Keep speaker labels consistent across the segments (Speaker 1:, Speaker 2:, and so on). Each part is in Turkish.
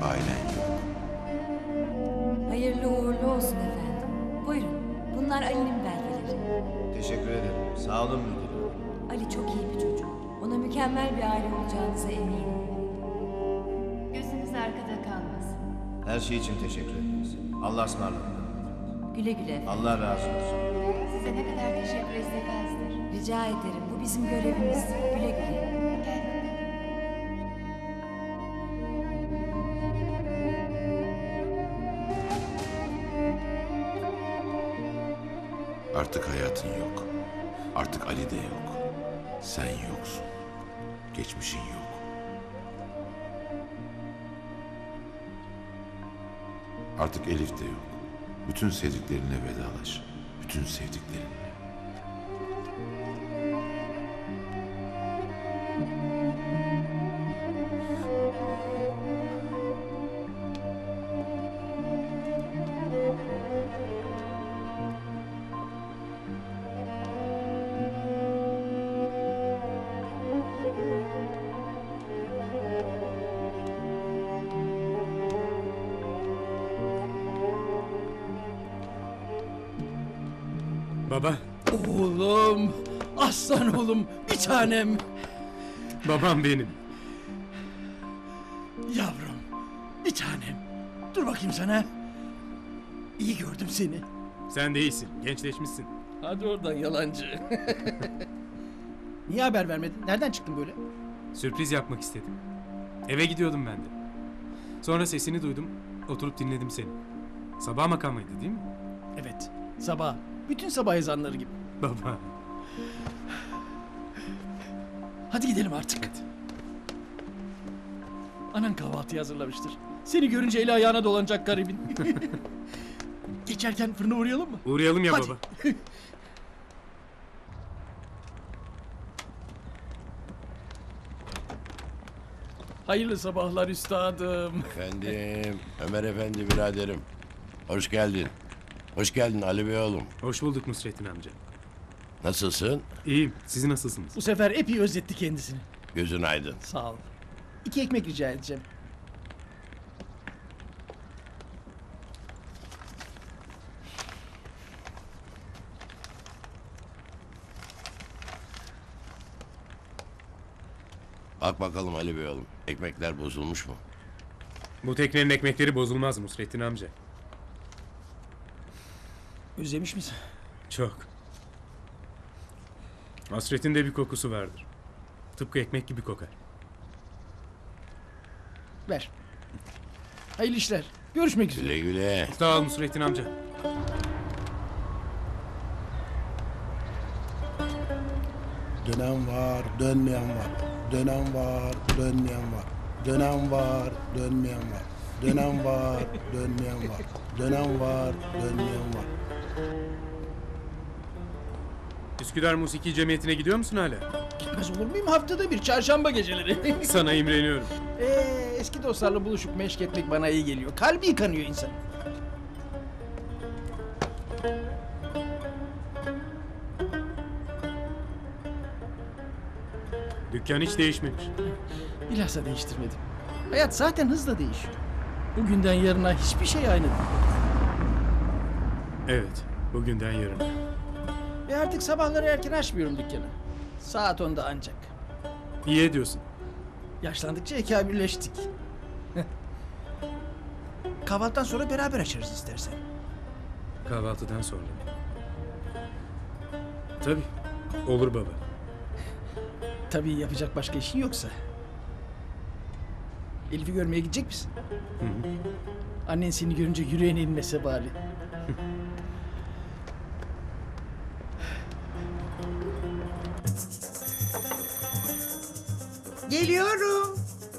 Speaker 1: ailen yok.
Speaker 2: Hayırlı uğurlu olsun efendim. Buyurun. Bunlar Ali'nin belgeleri.
Speaker 3: Teşekkür ederim. Sağ olun müdürüm.
Speaker 2: Ali çok iyi bir çocuk. Ona mükemmel bir aile olacağınıza eminim.
Speaker 4: Gözünüz arkada kalmasın.
Speaker 3: Her şey için teşekkür ederiz. Allah'a ısmarladık.
Speaker 2: Güle güle efendim.
Speaker 3: Allah razı olsun.
Speaker 4: Size ne kadar teşekkür etsek azdır.
Speaker 2: Rica ederim. Bu bizim görevimiz. Güle güle.
Speaker 4: Gel.
Speaker 1: Artık hayatın yok. Artık Ali de yok. Sen yoksun. Geçmişin yok. Artık Elif de yok. Bütün sevdiklerine vedalaş. Bütün sevdiklerine.
Speaker 5: Baba,
Speaker 6: Oğlum, aslan oğlum, bir tanem.
Speaker 5: babam benim.
Speaker 6: Yavrum, bir tanem. Dur bakayım sana. İyi gördüm seni.
Speaker 5: Sen de iyisin, gençleşmişsin.
Speaker 6: Hadi oradan yalancı. Niye haber vermedin? Nereden çıktın böyle?
Speaker 5: Sürpriz yapmak istedim. Eve gidiyordum ben de. Sonra sesini duydum, oturup dinledim seni. Sabah makamıydı değil mi?
Speaker 6: Evet, sabah. Bütün sabah ezanları gibi.
Speaker 5: Baba.
Speaker 6: Hadi gidelim artık. Anan kahvaltıyı hazırlamıştır. Seni görünce eli ayağına dolanacak garibin. Geçerken fırına uğrayalım mı?
Speaker 5: Uğrayalım ya
Speaker 6: Hadi.
Speaker 5: baba.
Speaker 6: Hayırlı sabahlar üstadım.
Speaker 7: Efendim, Ömer Efendi biraderim. Hoş geldin. Hoş geldin Ali Bey oğlum.
Speaker 5: Hoş bulduk Nusrettin amca.
Speaker 7: Nasılsın?
Speaker 5: İyiyim, siz nasılsınız?
Speaker 6: Bu sefer epey özletti kendisini.
Speaker 7: Gözün aydın.
Speaker 6: Sağ ol. 2 ekmek rica edeceğim.
Speaker 7: Bak bakalım Ali Bey oğlum. Ekmekler bozulmuş mu?
Speaker 5: Bu teknenin ekmekleri bozulmaz Nusrettin amca.
Speaker 6: Özlemiş misin?
Speaker 5: Çok. Hasretin de bir kokusu vardır. Tıpkı ekmek gibi kokar.
Speaker 6: Ver. Hayırlı işler. Görüşmek üzere.
Speaker 7: Güle güle.
Speaker 5: Sağ ol Nusrettin amca.
Speaker 8: Dönen var, dönmeyen var. Dönen var, dönmeyen var. Dönen var, dönmeyen var. Dönen var, dönmeyen var. Dönen var, dönmeyen var.
Speaker 5: Üsküdar Musiki Cemiyeti'ne gidiyor musun hala?
Speaker 6: Gitmez olur muyum? Haftada bir çarşamba geceleri.
Speaker 5: Sana imreniyorum.
Speaker 6: Eski dostlarla buluşup meşk etmek bana iyi geliyor. Kalbi yıkanıyor insan.
Speaker 5: Dükkan hiç değişmemiş.
Speaker 6: Bilhassa değiştirmedim. Hayat zaten hızla değişiyor. Bugünden yarına hiçbir şey aynı değil.
Speaker 5: Evet, bugünden yarına.
Speaker 6: Ve artık sabahları erken açmıyorum dükkanı. Saat 10'da ancak.
Speaker 5: İyi ediyorsun.
Speaker 6: Yaşlandıkça ekabirleştik. Kahvaltıdan sonra beraber açarız istersen.
Speaker 5: Kahvaltıdan sonra. Tabii, olur baba.
Speaker 6: Tabii yapacak başka işin yoksa. Elif'i görmeye gidecek misin?
Speaker 5: Hı hı.
Speaker 6: Annen seni görünce yüreğine inmese bari.
Speaker 9: Geliyorum.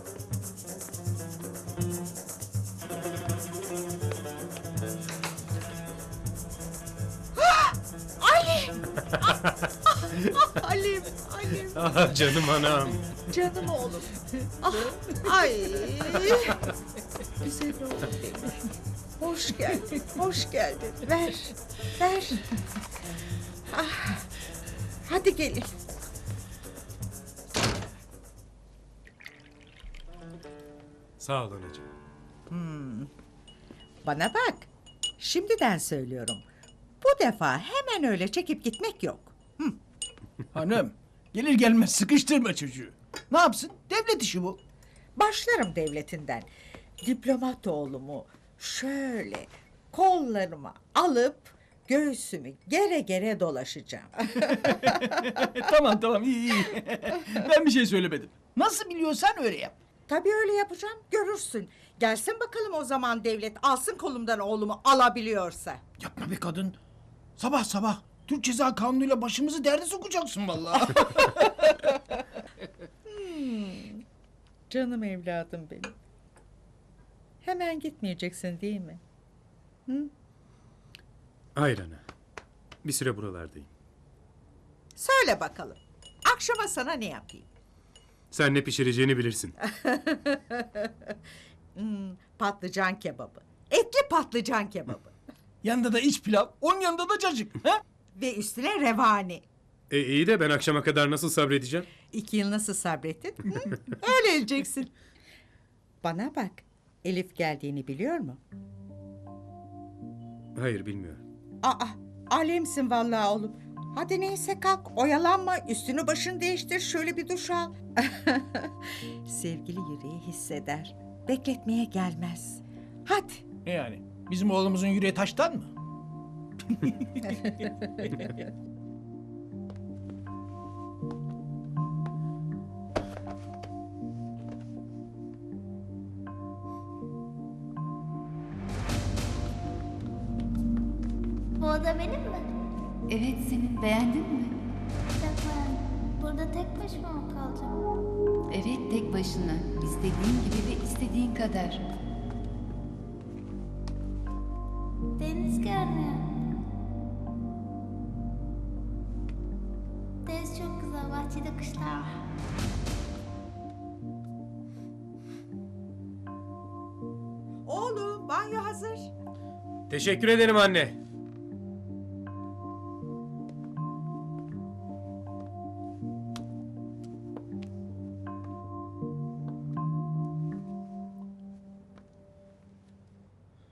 Speaker 9: Halim, Halim,
Speaker 5: Ah canım anam.
Speaker 9: canım oğlum. Ah, ay. Güzel oğlum benim. Hoş geldin, hoş geldin. Ver, ver. Ah, hadi gelin.
Speaker 5: Sağ ol anacığım.
Speaker 9: Bana bak. Şimdiden söylüyorum. Bu defa hemen öyle çekip gitmek yok.
Speaker 6: Hanım gelir gelmez sıkıştırma çocuğu. Ne yapsın? Devlet işi bu.
Speaker 9: Başlarım devletinden. Diplomat oğlumu şöyle kollarıma alıp göğsümü gere gere dolaşacağım.
Speaker 6: Tamam iyi. Ben bir şey söylemedim. Nasıl biliyorsan öyle yap.
Speaker 9: Tabii öyle yapacağım, görürsün. Gelsin bakalım o zaman devlet, alsın kolumdan oğlumu alabiliyorsa.
Speaker 6: Yapma be kadın. Sabah sabah Türk Ceza Kanunu'yla başımızı derde sokacaksın vallahi.
Speaker 9: Canım evladım benim. Hemen gitmeyeceksin değil mi?
Speaker 5: Hayır ana. Bir süre buralardayım.
Speaker 9: Söyle bakalım. Akşama sana ne yapayım?
Speaker 5: Sen ne pişireceğini bilirsin.
Speaker 9: Patlıcan kebabı. Etli patlıcan kebabı.
Speaker 6: Yanında da iç pilav, onun yanında da cacık. Ha?
Speaker 9: Ve üstüne revani.
Speaker 5: İyi de ben akşama kadar nasıl sabredeceğim?
Speaker 9: 2 yıl nasıl sabrettin? Hı? Öyle öleceksin. Bana bak. Elif geldiğini biliyor mu?
Speaker 5: Hayır bilmiyorum.
Speaker 9: Aa, alemsin vallahi oğlum. Hadi neyse kalk, oyalanma, üstünü başını değiştir, şöyle bir duş al. Sevgili yüreği hisseder. Bekletmeye gelmez. Hadi.
Speaker 6: Ne yani? Bizim oğlumuzun yüreği taştan mı?
Speaker 10: Bu oda benim mi?
Speaker 4: Evet senin, beğendin mi?
Speaker 10: Çok beğendim. Burada tek başıma mı kalacağım?
Speaker 4: Evet tek başına. İstediğin gibi ve istediğin kadar.
Speaker 10: Deniz görünüyor. Deniz çok güzel. Bahçede kuşlar var.
Speaker 9: Oğlum, banyo hazır.
Speaker 5: Teşekkür ederim anne.